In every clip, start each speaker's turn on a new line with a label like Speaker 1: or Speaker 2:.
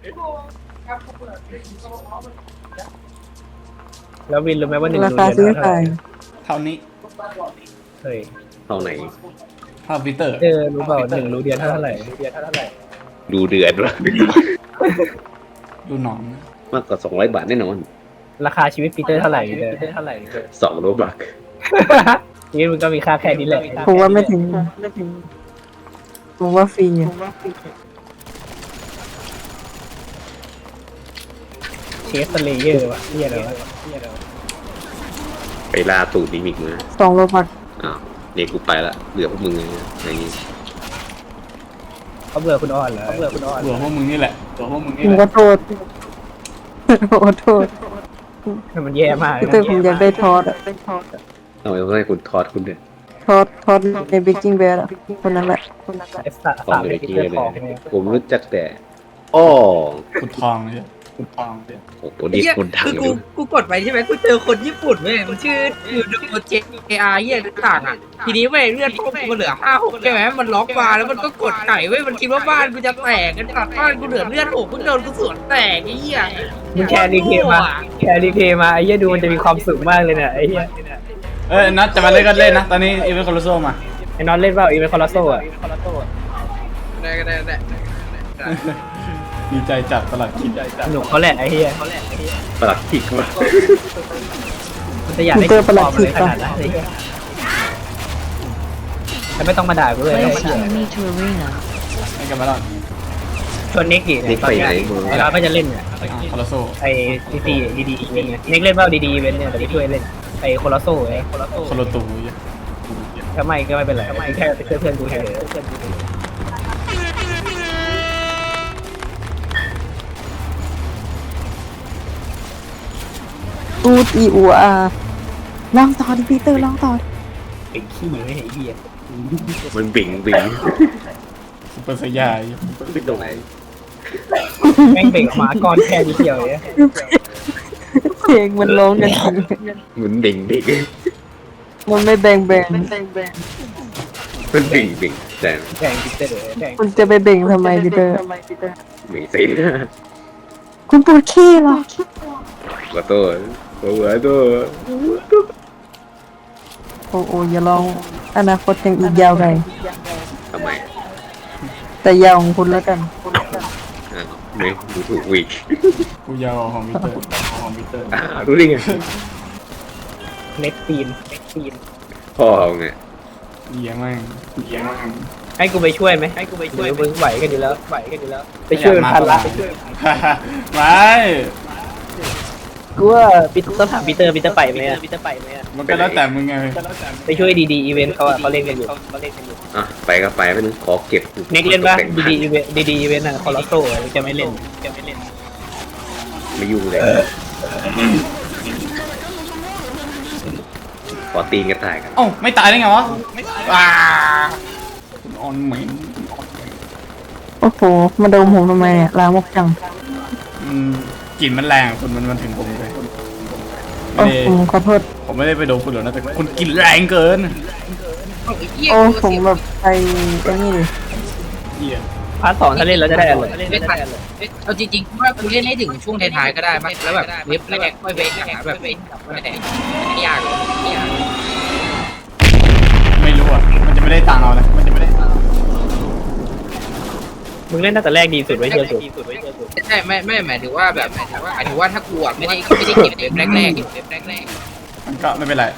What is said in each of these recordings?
Speaker 1: แล้ววินรู้ไหมว่าหนึ่ง
Speaker 2: รา
Speaker 1: รู
Speaker 2: คา
Speaker 1: เดือน
Speaker 2: ซื้อ
Speaker 1: เท่าไห
Speaker 2: ขา
Speaker 1: ร่
Speaker 2: ย
Speaker 3: เท่านี้
Speaker 1: เฮ้ย
Speaker 4: เท่าไหน
Speaker 3: เท่าปีเตอร์
Speaker 1: รู้เปล่าหนึ่งรูเดือนเท่าไหร่
Speaker 4: ดูเดือนวะ
Speaker 3: ดูหนอน
Speaker 4: มากกว่า200 บาทแน่นอน
Speaker 1: ราคาชีวิตปีเตอร์เท่าไหร่เด้อ
Speaker 4: 2 โลบัก
Speaker 1: ชีวิตมึงก็มีค่าแค่นี้แหละ
Speaker 2: ผมว่าไม่ถึงผมว่าฟรีอะ
Speaker 1: เชฟสเลเยอร์วะเฮียอะไรวะ
Speaker 4: ไปล่าตูดนิมิกมา
Speaker 2: 2 โลบัก
Speaker 4: อ้าวเนี่ยกูไปละเหลือพวกมึงไงอะไรอย่างงี้
Speaker 1: เขาเบื่อคุณอ่อนเหรอ
Speaker 3: เบื่อพวกมึงนี่แหละเบื่อพวกมึงนี่
Speaker 2: ผม
Speaker 3: แห
Speaker 2: ก็
Speaker 3: ละ
Speaker 2: โทษขอโทษ
Speaker 1: มันแย่มากเลย
Speaker 2: แต่
Speaker 1: นะ
Speaker 2: ผมอยากได้ทอดอะ
Speaker 4: ทำไมต้องให้คุณทอดคุณเนี่ย
Speaker 2: ทอดในเบกกิ้งแบร์อะคนนั้นแหละ
Speaker 1: ไอ้สัตว์
Speaker 4: ทอด
Speaker 1: สาม
Speaker 4: เล
Speaker 1: เป็
Speaker 4: ย
Speaker 1: นปี
Speaker 4: กี้
Speaker 1: เตอร์
Speaker 4: เล
Speaker 1: ของ
Speaker 4: ย
Speaker 1: เนี่ย
Speaker 4: ผมรู้จักแต่อ้อ
Speaker 3: ขุดทองเลยขุดทองเลย
Speaker 4: โอ้โหนี่คนดัง
Speaker 5: คือ
Speaker 4: เล
Speaker 5: กู
Speaker 4: ย
Speaker 5: กูกดไปใช่ไหมกูเจอคนญี่ปุ่นเว้ยมันชื่ออยู่ดูเจอาร์เยี่ยต่างอ่ะทีนี้เว้ยเลือดพวกกูเหลือ5-6ใช่ไหมมันล็อกมาแล้วมันก็กดไก่เว้ยมันคิดว่าบ้านกูจะแตกกันตัดบ้านกูเหลือเลือด6เพิ่งโดนกูสวนแตกไอ้เหี้ย
Speaker 1: มึงแชร์รีเพย์มาไอ้เหี้ยดูมันจะมีความสุขมากเลยเนี่ยไอ้เหี้ย
Speaker 3: นัดจะมาเล่นก็เล่นนะตอนนี้อีเวนต์คอร์โซมา
Speaker 1: ไอ้นอนเล่นเปล่าอีเวนต์คอร์โซอ่ะ
Speaker 5: ได้
Speaker 3: ดีใจจัดตลอดคิด
Speaker 1: สนุกเขาแหละไอ้เหี้ย
Speaker 4: ประหลัดขิกมา
Speaker 1: มันจะอยากได้กินปลอมเลยขนาดนั้นไอ้เหี้ยแต่ไม่ต้องมาด่ากูเลยไอ้
Speaker 6: Play
Speaker 1: เหี้ย
Speaker 6: some me to arena.
Speaker 3: ให้กันมาแล้ว
Speaker 1: ชวนเน็กดิเนี่ยตอนเนี้ยไอ้เราก็จะเล่นเนี่ย
Speaker 3: คอร์โซ
Speaker 1: ไอ้ดีอีเวนต์เนี่ยเน็กเล่นเปล่าดีอีเวนต์เนี่ยแต่ไม่ช่วยเล่นไอ้โคลาโซ่ไอ้
Speaker 3: คอร์ตู
Speaker 1: ถ้าไม่ก็ไม่เป็นไรแค่เพื่อนกูเฉย
Speaker 2: อูดอีอูอาลองต่อดิพีเตอร์ลองต่อ
Speaker 1: ไอ้ขี้ไม่ไอ้เหี้ย
Speaker 4: มันบิ่ง
Speaker 3: ซุปเปอร์สยาย
Speaker 4: ซึ่งตรงไหน
Speaker 1: แม่งเบ่งออกมาก้อนแค่นิดเดียวเลย
Speaker 2: เพลงมันร้องกันจริง
Speaker 4: เหมือนบิ่ง
Speaker 2: มันไม่แบ่ง
Speaker 4: มันบิ่งแต่
Speaker 1: แดงพิเตอร์แดง
Speaker 2: คุณจะไปเบ่งทำไมพีเตอร์
Speaker 4: บิ่งสิ
Speaker 2: คุณปวดขี้เหรอ
Speaker 4: ขอโทษขอโทษ
Speaker 2: โอ้โอ้อย่าลองอนาคตยังอีกยาวไกล
Speaker 4: ทำไม
Speaker 2: แต่ยาวของคุณแล้วกัน
Speaker 4: อ้าวไม่ดูถูกวิก
Speaker 3: กูยาวของปีเตอร์
Speaker 4: อ้าวรู้ได้ไง
Speaker 1: เน็กตีน
Speaker 4: พ่อเอาไง
Speaker 3: เยี่ยมมาก
Speaker 1: ให้กูไปช่วยไหมมึงไหวกันอยู่แล้วไปช่วยมันพันละ
Speaker 3: ไม่
Speaker 1: กูว่าต้องถามปีเตอร์ไปไหมอ่ะ
Speaker 3: มันก็แล้วแต่มึงไง
Speaker 1: ไปช่วยดีอีเวนต์เขาเล่นกันอยู่
Speaker 4: อ่ะไปก็ไปไม่นึงขอเก็บ
Speaker 1: เน็กเล่นปะดีอีเวนต์อ่ะคอร์โซ่จะไม่เล่น
Speaker 4: ไม่ยุ่งเลยขอตีนกระต่ายกัน
Speaker 3: เอ้าไม่ตายได้ไงวะคุณออนเหม็น
Speaker 2: โอ้โหมาดมผมทำไมเนี่ยลามกจัง
Speaker 3: กลิ่นมันแรงคุณมันถึงผมเลย
Speaker 2: โอ้ผมขอโทษ
Speaker 3: ผมไม่ได้ไปโดนคุณหรอกนะแต่คุณกลิ่นแรงเกิน
Speaker 5: ไอ้เหี้ย
Speaker 2: โอ้ผมแบบไปไอ้นี่ดิ
Speaker 3: เหี้ย
Speaker 1: พาร์ท 2ถ้าเล่นแล้วจะได้อะไร
Speaker 5: ไม่ทันเอาจริงๆว่ากูเล่นให้ถึงช่วงท้ายๆก็ได้มั้ยแล้วแบบเว็บแรกค่อยไปหาแบบไม่ได้ไม่ยากหรอกไม่ยาก
Speaker 3: ไม่รู้อ่ะมันจะไม่ได้ตังค์เอานะมันจะไม่ได้ตังค์
Speaker 1: มึงเล่นตั้งแต่แรกดีสุดไว้เชียร์สุด
Speaker 5: ใช่ไม่หมายถึงว่าแบบหมายถึงว่าถ้ากูอ่ะไม่ได้เก็บเว็บแรก
Speaker 3: มันก็ไม่เป็นไร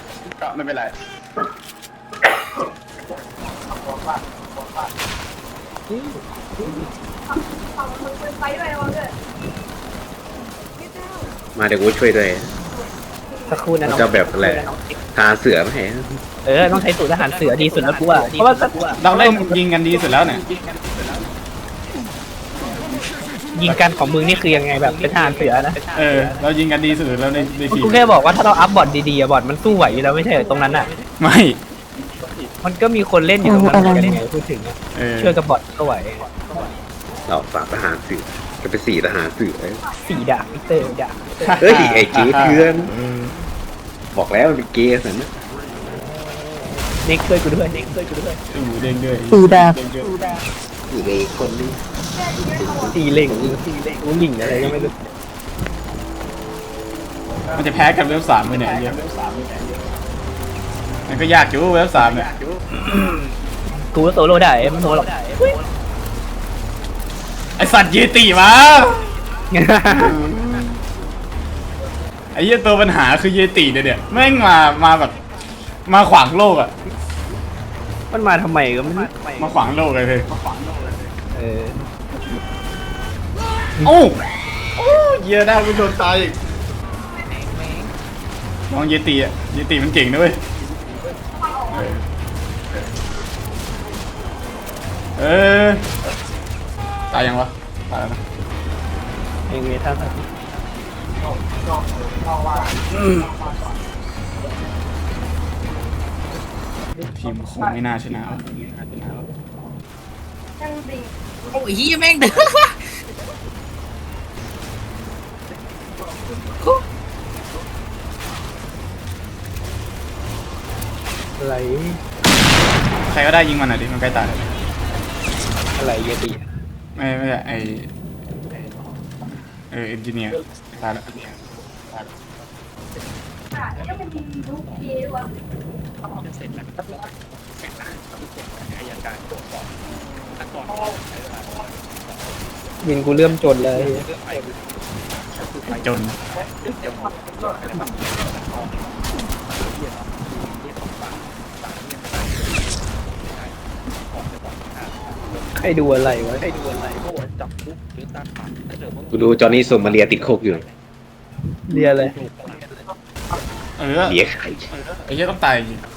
Speaker 4: มาเดี๋ยวกูช่วยด้วย
Speaker 1: สักครู่นะน้อง
Speaker 4: จะแบบอะไรหาเสือไหม
Speaker 1: ต้องใช้สูตรทหารเสือดีสุดแล้วกูว่าเพราะว่า
Speaker 3: เราเล่นยิงกันดีสุดแล้วเนี่ย
Speaker 1: ยิงกันของมึงนี่คือยังไงแบบเป็นทหารเสือนะ
Speaker 3: เรายิงกันดีสุดแล้วในทีม
Speaker 1: กูแค่บอกว่าถ้าเราอัพบอทดีๆอะบอทมันสู้ไหวอยู่แล้วไม่ใช่เหรอตรงนั้นอ่ะ
Speaker 3: ไม่
Speaker 1: มันก็มีคนเล่นอยู่ตรงนั้นเหมือนกันไงพูดถึงอะช่วยกับบอทก็ไหว
Speaker 4: เราฝากทหารเสือจะเป็น4 ทหารเสือ
Speaker 1: สี่ดาบมิเตอร์ดาบ
Speaker 4: เฮ้ยไอ้เกย์เถื่อนบอกแล้วมันเป็นเกย์สันนะ
Speaker 1: เน็กช่วยกูด้วย
Speaker 3: เด้งด้วย
Speaker 2: สีดาบ
Speaker 4: อยู่ในคนนี้
Speaker 1: ตีเหล่งรู้หลิงอะไรก็ไม่รู้
Speaker 3: มันจะแพ้กันเวฟสามเลยเนี่ยไอ้เหี้ยมันก็ยากอยู่เวฟสามเนี่ย
Speaker 1: กูโซโล่ได้ไม่โซหรอก
Speaker 3: ไอสัตว์เยติมาไอ้เหี้ยตัวปัญหาคือเยติเนี่ยแม่งมาแบบมาขวางโลกอะ
Speaker 1: มันมาทำไมก็ไม่รู้
Speaker 3: มาขวางโลกเลยเฮ้ย
Speaker 1: เออ
Speaker 3: โอ้เหี้ยได้กูโดนตายอีกน้องเยติอะเยติมันเก่งนะเว้ยเออตายยังวะตายแล้วนะ
Speaker 1: เองเวท่าสัก
Speaker 3: ทีมคงไม่น่าชนะ
Speaker 5: โอ้ยเฮียแม่งเด้อ
Speaker 1: อะไร
Speaker 3: ใครก็ได้ยิงมันหน่อยดิมันใกล้ตายแล้ว
Speaker 1: อะไรเยติ
Speaker 3: ไม่ใช่ไอเอนจิเนียร์ตายแล้ว
Speaker 1: วินกูเริ่มจนเลย
Speaker 3: จน
Speaker 1: ใครดูอะไรวะ
Speaker 4: กูดูจอห์นนี่ส่งมาเรียติดโคกอยู่
Speaker 1: เรียอะไร
Speaker 3: เออ
Speaker 4: เรียใคร
Speaker 3: ไอ้เหี้ยต้องตายจริง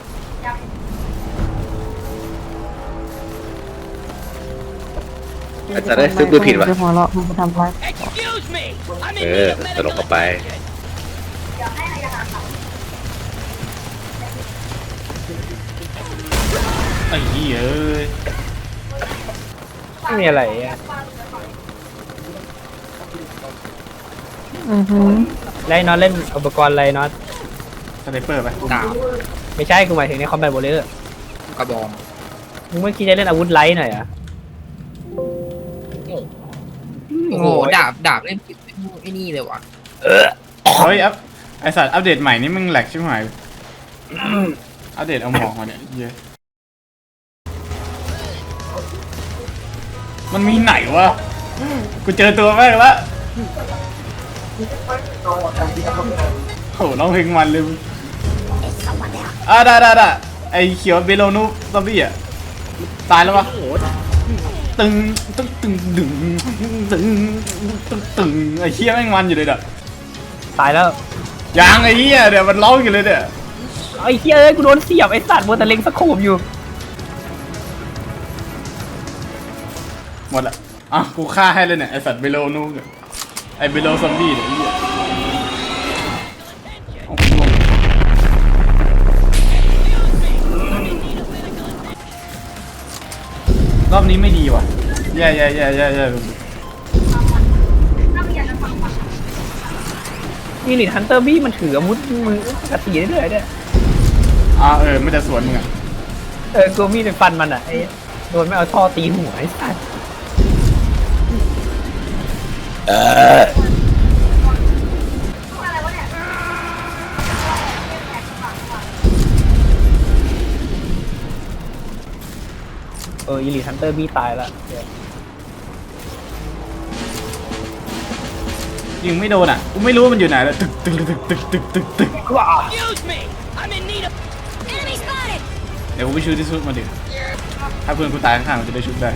Speaker 4: อาจจะได้ซื้อปืนผิดวะ
Speaker 2: หัวเราะมันจะทำร้าย
Speaker 4: ตลกเข้าไป
Speaker 3: ไอ้เหี้ยเอ้ย
Speaker 1: ไม่มีอะไรอ่ะ ไล่น็อตเล่นอุปกรณ์อะไรน็อต
Speaker 3: สไนเปอร์ไป
Speaker 5: ดาบ
Speaker 1: ไม่ใช่กูหมายถึงในคอมแบทโบเลอร์
Speaker 5: กระบอง
Speaker 1: มึงไม่คิดจะเล่นอาวุธไลท์หน่อยอ่ะ
Speaker 5: โอ้โหดาบเล่นไอ้นี่เลยว่ะ
Speaker 3: เฮ้ยไอสัตว์อัปเดตใหม่นี่มึงแหลกชิบหายอัปเดตเอาหมอกมาเนี่ยเหี้ยมันมีไหนวะกูเจอตัวแม่งละโหร้องเพลงมันเลยได้ไอเขียวเบโลนูซอมบี้อะตายแล้ววะตึงไอเหี้ยแม่งมันอยู่เลยเด้อ
Speaker 1: ตายแล้ว
Speaker 3: ยังไอ้เหี้ยเดี๋ยวมันร้องอยู่เลยเนี่ย
Speaker 1: ไอ้เหี้ยเอ้ยกูโดนเสียบไอ้สัตว์มัวแต่เล็งสะโคบอยู่
Speaker 3: หมดละอ่ะกูฆ่าให้เลยเนี่ยไอสัตว์เบโลนูเนี่ยไอเบโลซอมบี้เนี่ยไอ้เหี้ยเอากูลงรอบนี้ไม่ดีว่ะแย่
Speaker 1: นี่ลิทฮันเตอร์บี้มันถืออาวุธมือปกติได้เลยเนี่ย
Speaker 3: ไม่จะสวนมึงอ่ะ
Speaker 1: กูมีดไปฟันมันอ่ะไอ้โดนไม่เอาท่อตีหัวไอ้สัตว์อีลิทฮันเตอร์บี้ตายละ
Speaker 3: ยิงไม่โดนอ่ะกูไม่รู้ว่ามันอยู่ไหนแล้วตึก
Speaker 1: ว้า
Speaker 3: เดี๋ยวกูไปชูที่สุดมาดิถ้าเพื่อนกูตายข้างๆมันจะได้ชุบได้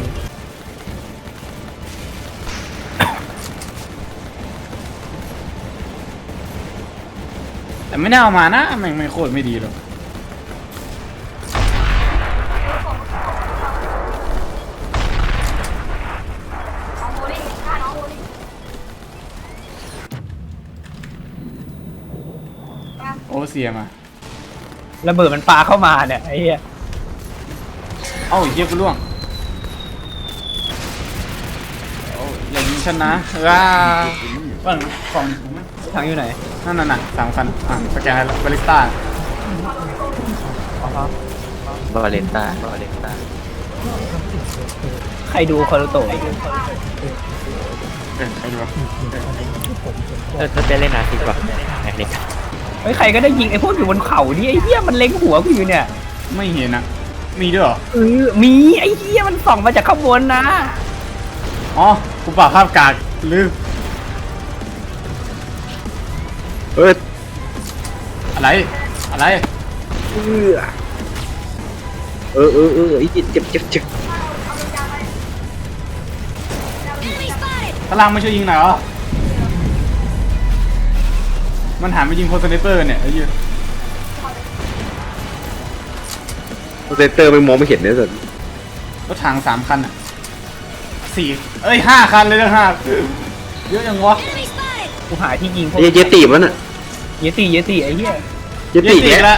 Speaker 3: แต่ไม่น่าเอามานะแม่งไม่โคตรไม่ดีหรอกโอเซียมา
Speaker 1: ระเบิดมันปาเข้ามาเนี่ยไอ้เหี้ย
Speaker 3: เอ้าเยี่ยกูล่วงโอ้อย่ายิงฉันนะบ้างของ
Speaker 1: ทางอยู่ไหน
Speaker 3: นั่นน่ะ3,000สแกนให้แล้วบาริสต้า
Speaker 4: บาเลนต้า
Speaker 1: ขใครดูคารุโตะ
Speaker 3: ใครดูวะ
Speaker 6: ถ้าจะเล่นอาทิตย์ป่ะไอ้เด็ก
Speaker 1: เฮ้ยใครก็ได้ยิงไอ้พวกอยู่บนเขานี่ไอ้เหี้ยมันเล็งหัวกูอยู่เนี่ย
Speaker 3: ไม่เห็นนะมีด้วยเหรอ
Speaker 1: มีไอ้เหี้ยมันส่องมาจากข้างบนนะ
Speaker 3: อ๋อกูปรับภาพกากลืม
Speaker 4: เอ้ย
Speaker 3: อะไรอะไร
Speaker 4: ไอ้เจ็บ
Speaker 3: พลังไม่ช่วยยิงหน่อยเหรอมันหันไปยิงโพสเนเปอร์เนี่ยไอ้เหี้ย
Speaker 4: เซนเตอร์ไม่มองไม่เห็นเนี่ยสิ
Speaker 3: รถถัง3 คันอ่ะ5 คันเลยนะ5เยอะยังวะ
Speaker 1: กูหาที่ยิงพวก
Speaker 4: เยตีมันอ่ะ
Speaker 1: เยติไอ้เหี้ย
Speaker 4: เยตี
Speaker 3: เย
Speaker 4: เนี่ย
Speaker 3: แล้ว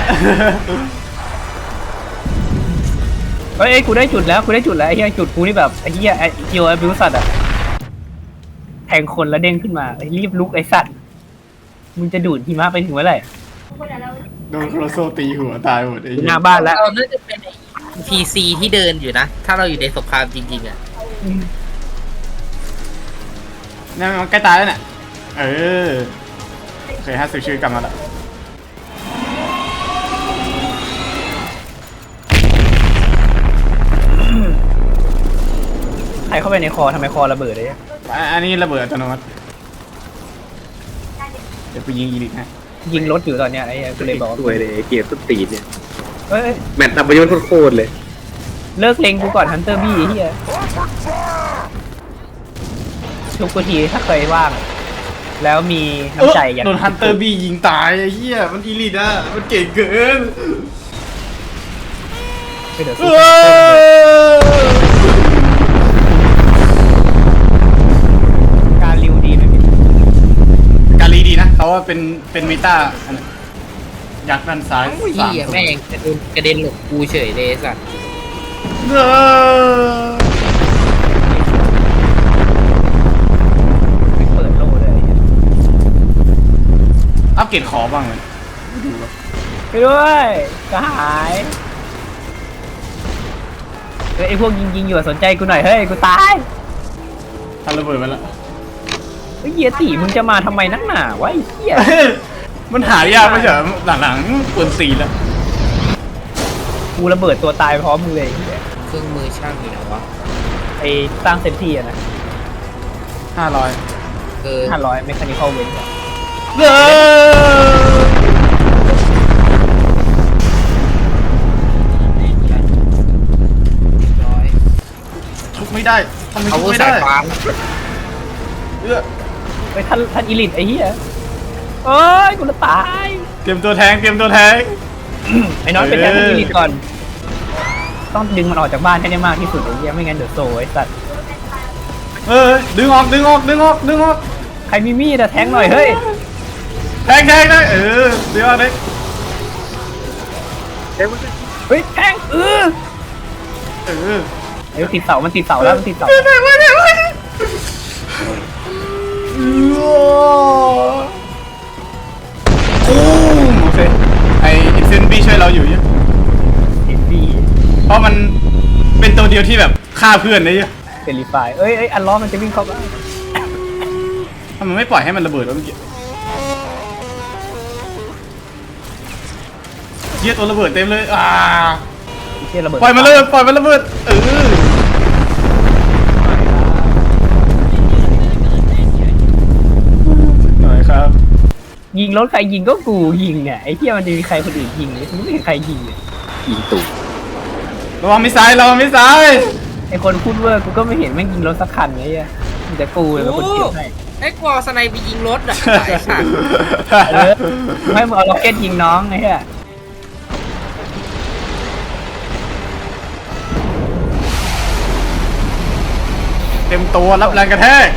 Speaker 1: เฮ้ยกูได้จุดแล้วไอ้เหี้ยจุดกูนี่แบบไอ้เหี้ยไอ้เกียวไอ้บิวสัตว์อะแทงคนแล้วเด้งขึ้นมาไอ้รีบลุกไอ้สัตว์มึงจะดูดหิมะไปถึงเมื่อไหร่
Speaker 3: โดนโครโซตีหัวตายหมดไอ้เหี้ย
Speaker 1: หน้าบ้านแล้ว
Speaker 5: เราน่าจะเป็นพีซีที่เดินอยู่นะ ถ้าเราอยู่ในสงครามจริงๆอ่ะ
Speaker 3: เนี่ยมันใกล้ตายแล้วเนี่ยโอเค50 ชีวิตกลับมาแล้ว
Speaker 1: ใครเข้าไปในคอทำไมคอระเบิดเลยอะ
Speaker 3: อันนี้ระเบิดอัตโนมัติเดี๋ยวไปยิงอีลิทให้
Speaker 1: ยิงรถอยู่ตอนเนี้ยไอ้เหี้ยกูเลยบอก
Speaker 4: สวยเลยเกมต้นตีนเนี่ย
Speaker 1: เฮ้ย
Speaker 4: แมตช์นับไปยนโคตรเลย
Speaker 1: เลิกเล็งกูก่อนฮันเตอร์บี้ไอ้เหี้ยทุกทีถ้าเคยว่าง แล้วมีน้ำใจอยาก
Speaker 3: โดนฮันเตอร์บียิงตายไอ้เหี้ยมันอีลิทอ่ะมันเก่งเกิน
Speaker 1: ไปเดี๋ยว
Speaker 3: เอ
Speaker 1: ซื้อ
Speaker 3: อ
Speaker 1: การริวดีไหมพี่
Speaker 3: กาลีดีนะเขาว่าเป็นเมตาอันนั้นยักษ์ด้านซ้าย
Speaker 5: โอ้ยเหี้ยแม่งกระเด็นหลบกูเฉยเลยสัตว์
Speaker 3: เออ
Speaker 1: ไม่เปิดโลเลยไอ้เหี้ย
Speaker 3: อัปเกรดขอบ้างเลย
Speaker 1: ไปด้วยกระหายเฮ้ยไอพวกยิงอยู่อะสนใจกูหน่อยเฮ้ยกูตาย
Speaker 3: ทำระเบิดมาแล้ว
Speaker 1: ไอ้เหี้ยตีมึงจะมาทำไมนักหนาวะไอ้เหี้ย
Speaker 3: มันหายากไม่ใช่เหรอหลังๆปวนตีแล้ว
Speaker 1: กูระเบิดตัวตายพร้อมมึงเลยไอ้เหี้ย
Speaker 5: เครื่องมือช่างอยู่ไหนวะ
Speaker 1: ไอ้สร้างเซนที่อะนะ
Speaker 3: 500
Speaker 1: 500เมคานิคอลเวน
Speaker 3: เออ
Speaker 5: ร้อย
Speaker 3: ทุบไม่ได้ทำไม
Speaker 5: เอา
Speaker 3: ทุบไม่
Speaker 5: สา
Speaker 3: ได้
Speaker 5: ยฟ้า
Speaker 3: เออ
Speaker 1: ไปท่านอีลิทไอ้เหี้ยเอ้ยกูจะตาย
Speaker 3: เตรียมตัวแทง
Speaker 1: ไอ้น้องไปแทนท่านอีลิทก่อน ต้องดึงมันออกจากบ้านให้ได้มากที่สุดไอ้เหี้ยไม่งั้นเดี๋ยวโซ่ไอ้สัตว์
Speaker 3: ดึงออก
Speaker 1: ใครมีมีดอะแทงหน่อยเฮ้ย
Speaker 3: แทงได้ดึงออกเลย
Speaker 1: เฮ้ยแทงเออเดี๋ยวติดเสามันติดเสาแล้วมันติดเสา
Speaker 3: โอเคไอเซนบี้ช่วยเราอยู่เนี่ย
Speaker 1: เอ็นบี
Speaker 3: เพราะมันเป็นตัวเดียวที่แบบฆ่าเพื่อนได้เยอะ
Speaker 1: เซรีไฟเอ้ยอันล้อมันจะวิ่งเข้าบ้าน
Speaker 3: ทำไมไม่ปล่อยให้มันระเบิดวะเมื่อกี้เหี้ยตัวระเบิดเต็มเลย
Speaker 1: ไอ้เหี้ยระเบิด
Speaker 3: ปล่อยมันเลยปล่อยมันระเบิดหน่อยครับ
Speaker 1: ยิงรถใครยิงก็กูยิงเนี่ยไอ้เหี้ยมันจะมีใครคนอื่นยิงเลยไม่มีใครยิงเลย
Speaker 4: ยิงตู่
Speaker 3: ระวังมิสไซล์
Speaker 1: ไอ้คนพูดเวอร์กูก็ไม่เห็นแม่งยิงรถสักคันไงเหี้ยมีแต่กูเลยเป็นคนเกี่ยวให้
Speaker 5: ไอ้กวาสไนไปยิงรถอ่ะไอ้สัตว์
Speaker 1: ไม่มึงเอาล็อกเก็ตยิงน้องไงเหี้ย
Speaker 3: เต็มตัวรับแรงกระแทก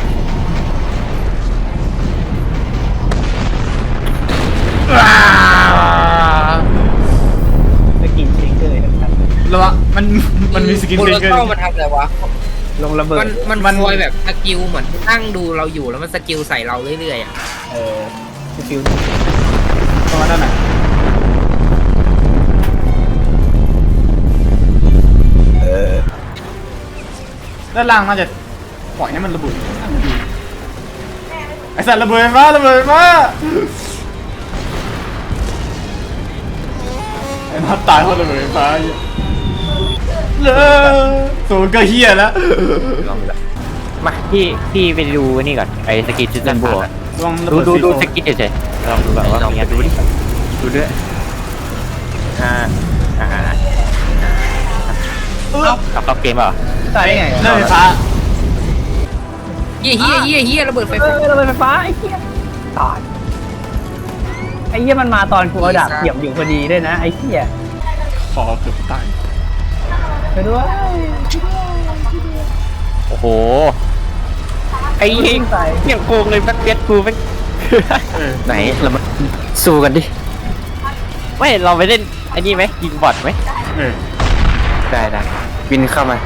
Speaker 1: สกินซิงเกอร์ทั้งคัน
Speaker 3: ระวังมันมีสกิน
Speaker 5: บน
Speaker 3: เซ
Speaker 5: รถ
Speaker 3: เกอร์
Speaker 5: เข้ามันทำอะไรวะ
Speaker 1: ลงระเบิด
Speaker 5: มันคอยแบบสกิลเหมือนนั่งดูเราอยู่แล้วมันสกิลใส่เราเรื่อยๆอ่ะ
Speaker 1: สกิล
Speaker 3: ตรงนั้นน่ะด้านล่างน่าจะปล่อยให้มันระเบิดไอสัตว์ระเบิดไฟฟ้าระเบิดไฟฟ้าไอ้น็อตตายเพราะระเบิดไฟฟ้าเลยโซนก็เฮียแล้ว
Speaker 6: มาพี่ไปดูนี่ก่อนไอ้สกิทซิสเตมบัว
Speaker 3: ลองระ
Speaker 6: ดู
Speaker 3: เบิด
Speaker 6: ดู
Speaker 3: ซี
Speaker 6: ดู
Speaker 3: โฟ
Speaker 6: สกิทเฉยๆลองดูแบบว่ามีอะไรดูดิดูด้วยเอาเกมเปล่า
Speaker 1: ตายได้ไง
Speaker 3: เรื่องไฟฟ้า
Speaker 5: เฮียระเบิดไฟฟ้า
Speaker 1: ระเบิดไฟฟ้าไอ้เหี้ยตายไอ้เหี้ยมันมาตอนกูเอาดาบเสียบอยู่พอดีด้วยนะไอ้เหี้ย
Speaker 3: ขอเกือบตาย
Speaker 1: ไปด้วย
Speaker 6: โอ้โหไอ้เหี้ยอย่างโกงเลยแบ็คเบียดกูเป็น
Speaker 2: ไหนเรามาสู้กันดิ
Speaker 6: ไม่เราไปเล่นไอ้นี่ไหมยิงบอทไหม
Speaker 2: ได้วินเข้ามา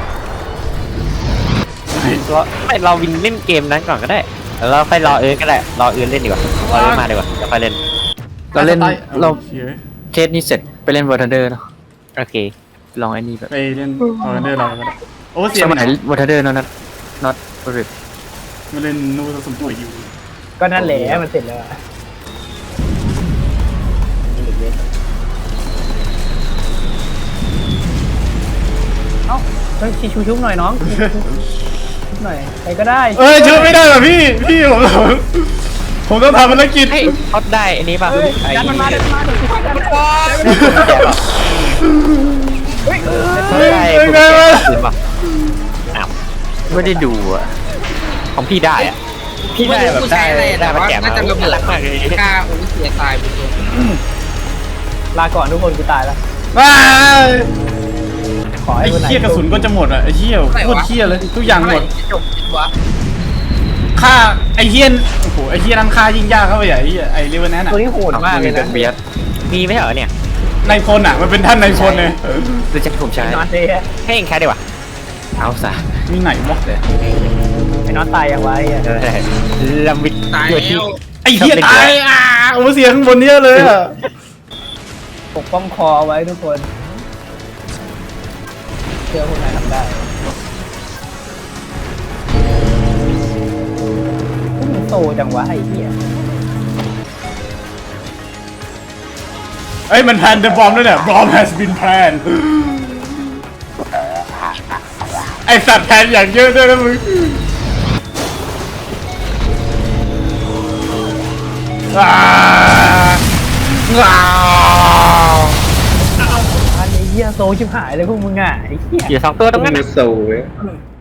Speaker 6: ไม่เราวินเล่นเกมนั้นก่อนก็ได้แล้วเราค่อยรอก็ได้รอเล่นดีกว่ารอมาดีกว่าจะค่อยเล่น
Speaker 2: เราเล่นเรา
Speaker 3: เหี้ย
Speaker 2: เคสนี้เสร็จไปเล่นวอร์ทันเดอร์เนาะ
Speaker 6: โอเค
Speaker 2: ลองไอ้นี่แบบ
Speaker 3: ไปเล่นออเรนเดอร์เราก็ได้โอ้เสีย
Speaker 2: ส
Speaker 3: ง
Speaker 2: มัยวอร์ทันเดอร์น็อตบริษ
Speaker 3: มาเล่นนูสมตัวอยู่
Speaker 1: ก็นั่นแหละมันเสร็จแล้วอะเอ้าเฮ้ยชุบหน่อยน้องชุบหน่อยใครก็ได้
Speaker 3: เอ้ยช่วยไม่ได้หรอพี่ผมต้องทำภารกิจ
Speaker 6: เฮ้ยท็อปได้อันนี้ป่ะ
Speaker 1: เฮ้ย
Speaker 6: ไอ้
Speaker 1: ดันมันมาดันมันมาเดี๋ยวกูช่วยดันมันมา เฮ้ย
Speaker 6: ได้คุณแกคืนป่ะอ้าว
Speaker 2: ไม่ได้ดูอ่ะ
Speaker 6: ของพี่ได้อะพี่ได้แบบได้ได้มาแจก
Speaker 5: น่าจะระเบิด
Speaker 6: รักมากเลย
Speaker 5: กล้าโอ้ยเสียตายไปตัว
Speaker 1: ลาก่อนทุกคนกูตายแล้ว
Speaker 3: ว้าย
Speaker 1: ขอให้
Speaker 3: ไอ้
Speaker 1: คนไหน
Speaker 3: เหี้ยกระสุนก็จะหมดอ่ะไอ้เหี้ยโคตรเหี้ยเลยทุกอย่างหมด
Speaker 5: จบวะ
Speaker 3: ค่าไอ้เหี้ยโอ้โหไอ้เหี้ยนั่นค่ายิ่งยากเข้าไปใหญ่ไอ้เรเวนแนน
Speaker 1: ตัวนี้โหดมากเลย
Speaker 2: แบ็
Speaker 1: นะ
Speaker 2: คเบียด
Speaker 6: มีไม่ใช่เหรอเนี่ย
Speaker 3: นายพลอ่ะมันเป็นท่านนายพลเลย
Speaker 2: หรือจะให้ผมใช้
Speaker 1: ไอ้น็อตเลย
Speaker 6: ให้เองแค่ดีกว่า
Speaker 2: เอาซะ
Speaker 3: มีไหนวะ
Speaker 1: ไอ้น็อตตายยังไงอ่ะ
Speaker 6: ลำวิด
Speaker 5: ตาย
Speaker 6: อยู่
Speaker 5: แล้
Speaker 6: ที่
Speaker 5: ว
Speaker 3: ไอ้เหี้ยตายโอ้เสียข้างบนเยอะเลยอ่ะ
Speaker 1: ปกป้องคอไว้ทุกคนเชื่อคนไหนทำได้มันโตจังวะไอ้เหี้ย
Speaker 3: เอ้ยมันแพนเดอะบอมด้วยเนี่ย bomb has been planned ไอสัตว์แพนอย่างเยอะด้วยนะมึงว้าว
Speaker 1: อันนี้เหี้ยโซชิบหายเลยพวกมึงอ่ะไอ้เหี้ย
Speaker 6: อยู่2ตัวตรงนั้น
Speaker 4: มื
Speaker 6: น่ะ
Speaker 4: อโซ่เว้ย